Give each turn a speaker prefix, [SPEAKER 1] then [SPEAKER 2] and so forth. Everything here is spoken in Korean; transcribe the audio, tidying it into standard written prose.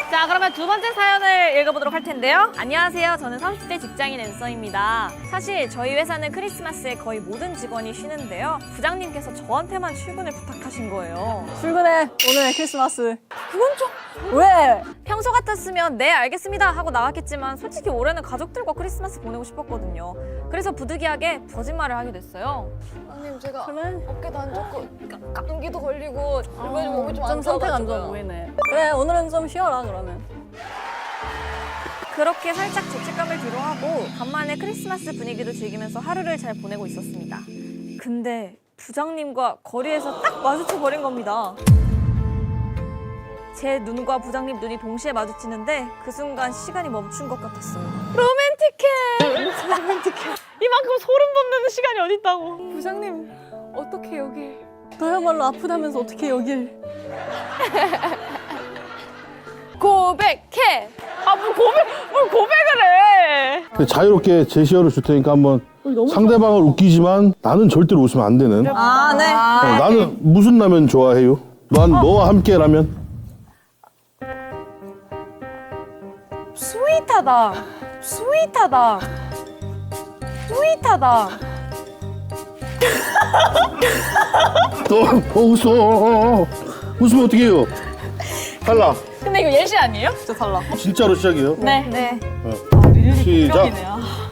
[SPEAKER 1] 자, 그러면 두 번째 사연을 읽어보도록 할 텐데요. 안녕하세요. 저는 30대 직장인 앤서입니다. 사실 저희 회사는 크리스마스에 거의 모든 직원이 쉬는데요. 부장님께서 저한테만 출근을 부탁하신 거예요.
[SPEAKER 2] 출근해. 오늘 크리스마스. 그건 좀... 왜?
[SPEAKER 1] 평소 같았으면 네 알겠습니다 하고 나왔겠지만 솔직히 올해는 가족들과 크리스마스 보내고 싶었거든요. 그래서 부득이하게 거짓말을 하게 됐어요.
[SPEAKER 3] 아님 제가
[SPEAKER 2] 그래?
[SPEAKER 3] 어깨도 안 좋고 감기도 걸리고 요즘 몸이 좀
[SPEAKER 2] 좀
[SPEAKER 3] 안
[SPEAKER 2] 상태가 안 좋아
[SPEAKER 3] 좋아가지고요.
[SPEAKER 2] 보이네. 그래, 오늘은 좀 쉬어라, 그러면.
[SPEAKER 1] 그렇게 살짝 죄책감을 뒤로하고 간만에 크리스마스 분위기도 즐기면서 하루를 잘 보내고 있었습니다. 근데 부장님과 거리에서 딱 마주쳐버린 겁니다. 제 눈과 부장님 눈이 동시에 마주치는데 그 순간 시간이 멈춘 것 같았어요.
[SPEAKER 3] 로맨틱해.
[SPEAKER 1] 이만큼 소름 돋는 시간이 어딨다고.
[SPEAKER 3] 부장님 어떻게 여길?
[SPEAKER 2] 너야말로 아프다면서 어떻게 여길.
[SPEAKER 3] 고백해.
[SPEAKER 1] 뭘 고백을 해.
[SPEAKER 4] 근데 자유롭게 제시어를 줄 테니까 한번 상대방을 웃기지만 나는 절대로 웃으면 안 되는.
[SPEAKER 2] 아, 네.
[SPEAKER 4] 나는 무슨 라면 좋아해요? 난 너와 함께 라면.
[SPEAKER 3] 스윗하다. 스윗하다. 스윗하다.
[SPEAKER 4] 너 웃어. 웃으면 어떻게 해요? 탈락.
[SPEAKER 1] 근데 이거 예시 아니에요?
[SPEAKER 2] 진짜 달라.
[SPEAKER 4] 진짜로 시작이에요.
[SPEAKER 1] 네.
[SPEAKER 4] 시작.